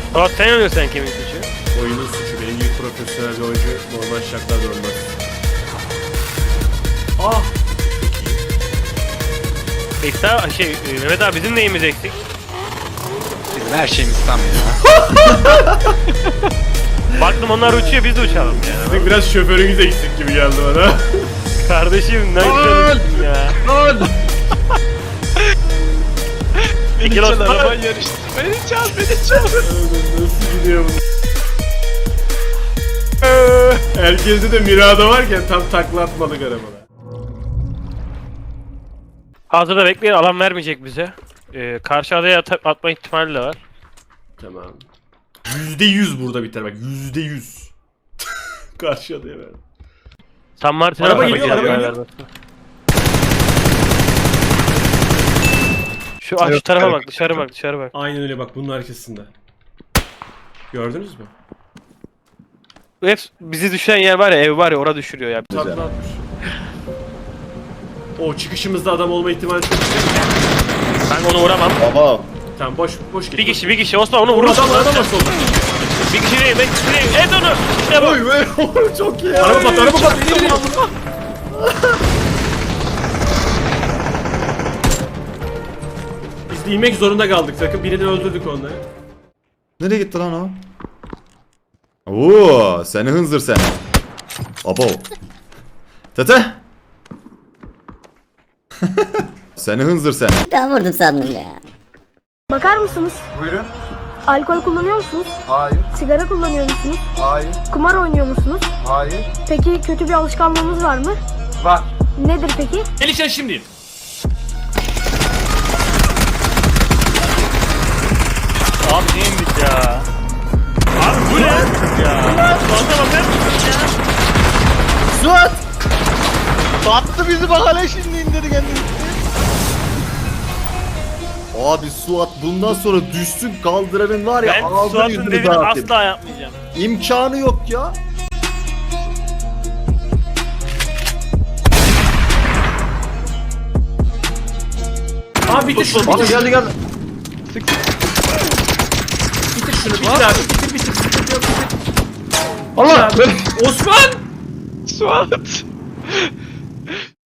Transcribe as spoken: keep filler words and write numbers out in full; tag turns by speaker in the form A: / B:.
A: Suat sen oynuyorsun sen kimin suçu?
B: Oyunun suçu. Benim gibi profesyonel bir oyuncu normal şartlarda olmaz. Ah!
A: İkta şey Mehmet abi bizim neyimiz eksik?
C: Bizim her şeyimiz tam ya.
A: Baktım onlar uçuyor biz de uçalım ya.
B: Sizin biraz şoförünüz eksik gibi geldi bana.
A: Kardeşim ne güzel ya.
C: Lan! Beni
A: Kilos
C: çal
A: var.
C: araban yarıştı. Beni çal, beni çal.
B: Nasıl gidiyor bu? Herkeste de Mirada varken tam takla atmadık arabada.
A: Hazırda bekleyin alan vermeyecek bize. Ee, karşı adaya at atma ihtimali de var.
B: Tamam. Yüzde yüz burada biter bak. Yüzde yüz. Karşı adaya ver.
A: San Martin'e
B: Araba
A: bakalım
B: geliyor,
A: ya,
B: araba
A: ya,
B: geliyor.
A: ya. Şu aç şu tarafa bak dışarı bak dışarı bak.
B: Aynen öyle bak bunun arkasında. Gördünüz mü?
A: Hep bizi düşen yer var ya ev var ya orada düşürüyor ya.
B: Tatlı atmış. O çıkışımızda adam olma ihtimali çok yüksek.
A: Ben onu vuramam.
D: Baba.
B: Tamam boş boş git.
A: Bir kişi bir kişi Osman onu
B: Vur
A: vurursun.
B: adam adam var solda.
A: Bir kişi değil ben kişi değil. Et onu. İşte bu.
D: Oy be. Çok iyi.
B: Araba pat araba pat. İleri ileri. Biz de inmek zorunda kaldık sakın birini öldürdük onları.
D: Nereye gitti lan o? Oo, seni hınzır sen. Abo. Tete. Seni hınzır sen.
E: Ben vurdum sandım ya.
F: Bakar mısınız?
G: Buyurun.
F: Alkol kullanıyor musunuz?
G: Hayır,
F: Sigara kullanıyor musunuz?
G: hayır,
F: Kumar oynuyor musunuz?
G: hayır.
F: Peki kötü bir alışkanlığınız var mı?
G: Var.
F: Nedir peki?
B: Gelişen şimdi.
A: Abi neymiş ya? Abi bu ne? Ya. Suat'a bakar mısın ya?
D: Suat.
C: Battı bizi bak hala şimdi indirdi kendini.
D: Abi Suat bundan sonra düşsün kaldıranın var ya
A: Ben
D: ağzını
A: Suat'ın
D: yüzünü
A: dediğini
D: dağıtayım.
A: asla yapmayacağım.
D: İmkanı yok ya.
B: Abi bitir şunu.
D: Abi
B: Bitir,
D: geldi geldi.
B: bitir şunu. Bitir abi. Bitir bitir. Sıkıntı yok bitir.
C: Allah!
B: Osman!
C: Suat!